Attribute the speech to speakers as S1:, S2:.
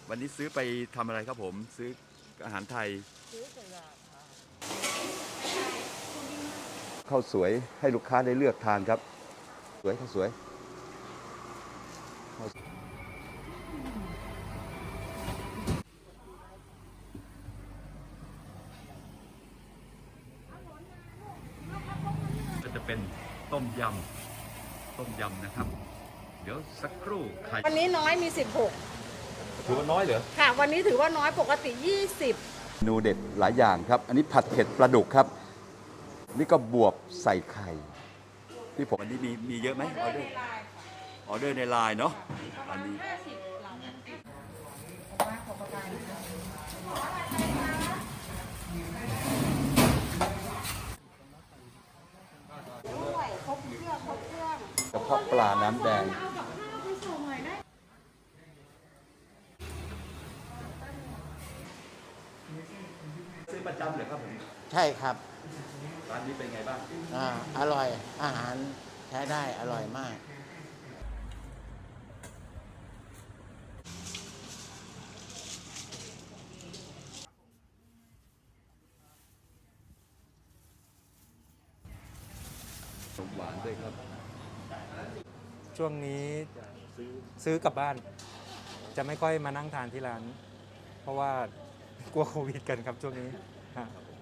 S1: วันนี้ซื้อไปทำอะไรครับผมซื้ออาหารไทยซื้อเสร็จแล้วข้าวสวยให้ลูกค้าได้เลือกทานครับสวยข้าวสวยก็จะเป็นต้มยำนะครับ เดี๋ยวสักครู่ไข่
S2: วันนี้น้อยมี
S1: ถือว่าน้อยเหรอ
S2: 16ค่ะวันนี้ถือว่าน้อยปกติ 20
S1: เมนูเด็ดหลายอย่างครับ อันนี้ผัดเผ็ดปลาดุกครับ นี่ก็บวบใส่ไข่ที่ผมอันนี้มีเยอะไหมออเดอร์ในไลน์เนาะอันนี้กระเพาะปลาน้ำแดงซื้อประจำเหรอครับผม
S3: ใช่ครับ
S1: ร้านนี้เป็นไงบ้าง
S3: อร่อยอาหารใช้ได้อร่อยมาก
S1: ขนมหวานด้วยครับ
S4: ช่วงนี้ซื้อกลับบ้าน จะไม่ค่อยมานั่งทานที่ร้าน เพราะว่ากลัวโควิดกันครับช่วงนี้ฮะ